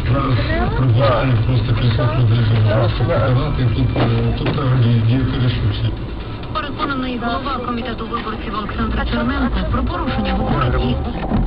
Зараз просто присутні сказати, тут діяти ресурси. Переконаний голова комітету виборців Олександр Черненко про порушення говорить і...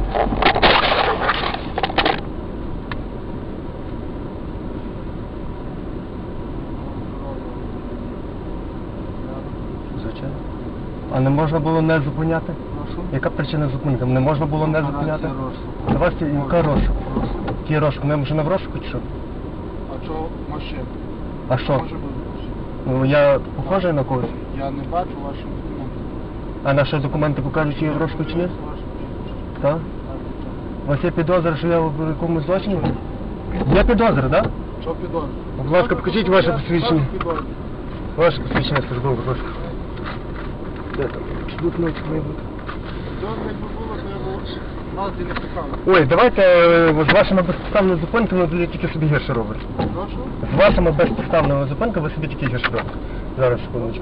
Звичайно. А не можна було не зупиняти? Яка причина зупинки? Не можна було не зупиняти? У вас яка розшук? Який розшук? Ми вже не в розшуку чи що? А що машина? А що? Може бути машина. Ну я похожий на когось? Я не бачу ваші документи. А наші документи покажуть, чи я в розшуку чи ні? Ваші документи. Так? У вас є підозра, що я в якомусь злочині? Є підозра, так? Що підозрює? Будь ласка, покажіть ваше посвідчення. Що підозрює? Ваше посвідчення службове, будь ласка. Де там? Блокнотик має бути. Підозра, якби було, то я б нас і не писав. Ой, давайте з вашими безпідставними зупинками ви тільки собі гірше робите. Прошу? З вашими безпідставними зупинками ви собі тільки гірше робите. Зараз, секундочку.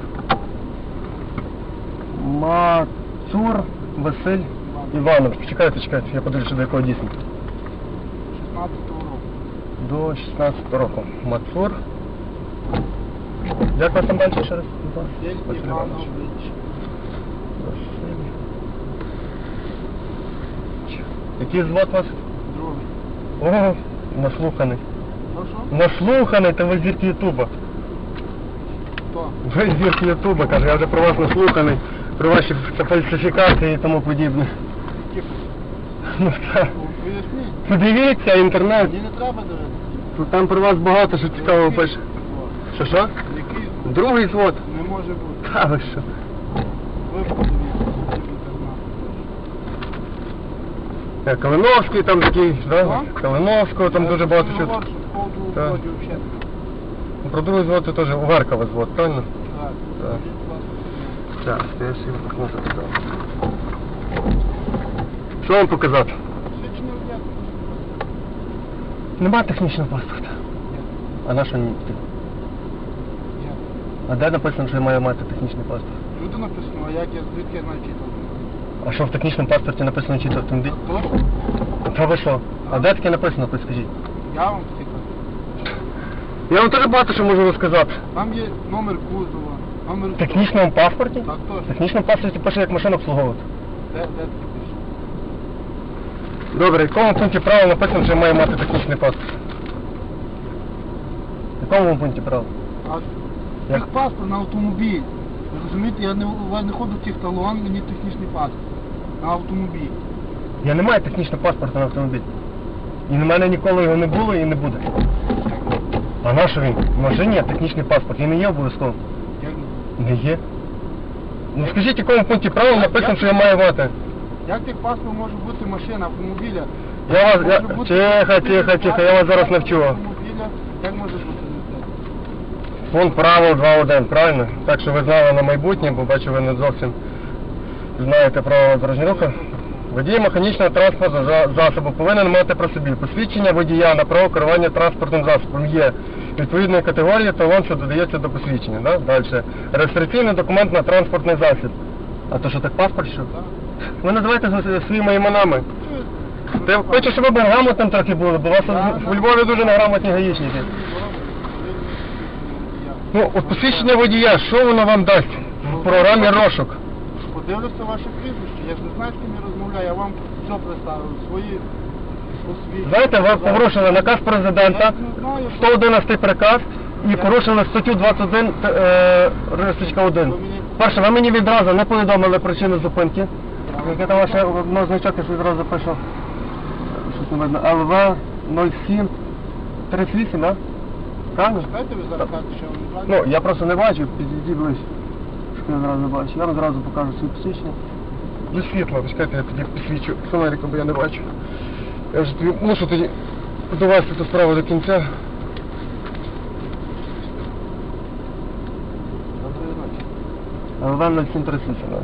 Мацур Василь Іванович. Чекайте, я подивлюся, до якого дійсно. 16-го року. До 16 року. Мацур. Як вас там далі ще раз? Василь Іванович. Василь. Який звод вас? Другий. О, наслуханий. Прошу? Наслуханий, та ви зірки Ютуба. Хто? Ви зірки Ютуба, каже, я вже про вас наслуханий, про ваші фальсифікації і тому подібне. Які? Ну так. Поясніть. Подивіться, інтернет. Мені не треба дивитися. Тут там про вас багато що цікавого пише. Що? Який звук? Другий звод. Не може бути. Та ви що? Ви подивіться, собі так. Калиновський там такий, да? Калиновського там дуже багато що. Так. Про другий звод це теж у Веркова звод, правильно? Так. Так, я собі блокнот записав. Що вам показати? Свідчення взяти. Нема технічного паспорта. А на що мені? А де написано, що я маю мати технічний паспорт? Люди написано, а як я звідки я знаю, чи то. А що в технічному паспорті написано, чи це автомобіль? Точно? Та ви що? А де таке написано, підскажіть? Я вам таки кажу. Я вам теж багато що можу розказати. Там є номер кузова, номер... В технічному паспорті? Так, В точно. технічному паспорті пише, як машину обслуговувати. Де таке пише? Добре, в якому пункті права написано, що я маю мати технічний паспорт? В якому пункті права? А Як? паспорт на автомобіль. Ви розумієте, я не ходжу в тих талон, мені технічний паспорт. На автомобіль. Я не маю технічного паспорта на автомобіль. І на мене ніколи його не було і не буде. А на що він? В машині є технічний паспорт. Він не є обов'язково. Як не? Не є. Ну скажіть, в якому пункті права написано, що я маю мати? Як тих паспорт може бути машина автомобіля? Я вас... Може бути Тихо, я вас зараз навчу. Автомобіля, як може бути це? Пункт правил 2.1, правильно? Так що ви знали на майбутнє, бо бачу, ви не зовсім знаєте правила дорожнього руху. Водій механічного транспортного засобу повинен мати при собі посвідчення водія на право керування транспортним засобом є відповідної категорії талон, що додається до посвідчення. Да? Далі. Реєстраційний документ на транспортний засіб. А то що так паспорт що? Ви називаєте своїми іменами. Я хочу, щоб ви грамотним трохи були, бо у вас у Львові дуже неграмотні гаїчники. Ну, от посвідчення водія, що воно вам дасть в програмі розшук? Подивлюся ваше прізвище, я ж не знаю, з ким я розмовляю, я вам все представив, свої посвідчення. Знаєте, ви порушили наказ президента, 111 приказ і порушили статтю 21 рисочка 1. Перше, ви мені відразу не повідомили причину зупинки. Яке там ваше одно значок, я відразу запишу. Щось не видно. ЛВ 07 38, так? Правильно? Чекайте, ви зараз кажете, що я вам не бачу? Ну, я просто не бачу, підійди ближче. Щоб я зразу бачу. Я вам зразу покажу свої посвідчення. Без світла, чекайте, я тоді посвідчу фонариком, бо я не бачу. Я вже тобі мушу тоді довести цю справу до кінця. Доброї ночі. ЛВ 0738, так.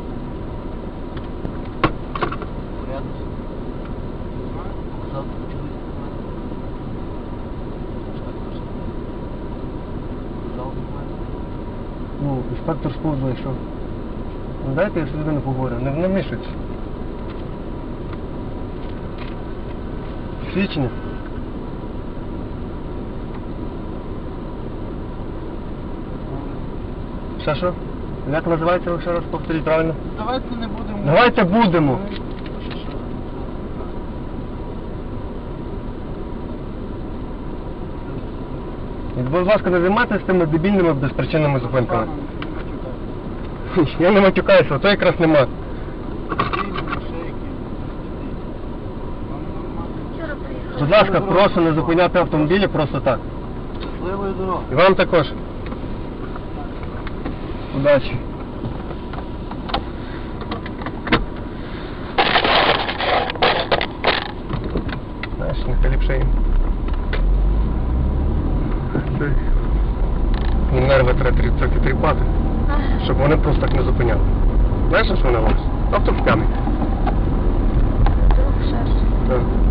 Порядок. Не знаю. Завтра почались документи. Ну, інспектор СПУ зайшов. Ну, дайте я з людиною поговорю, не вмішуйтесь. Свідчення? Ще що? Як називається, ви ще раз повторіть правильно? Давайте не будемо... Давайте будемо. І, будь ласка, не займайтеся тими дебільними безпричинними зупинками. Я не матюкаюся, то якраз нема. Будь ласка, прошу не зупиняти автомобілі просто так. Щасливої дороги. І вам також. Удачі. Знаєш, нехай ліпше їм. Нерви треба трохи тріпати, щоб вони просто так не зупиняли. Знаєш, що вони роблять? Авто в камінь. Так.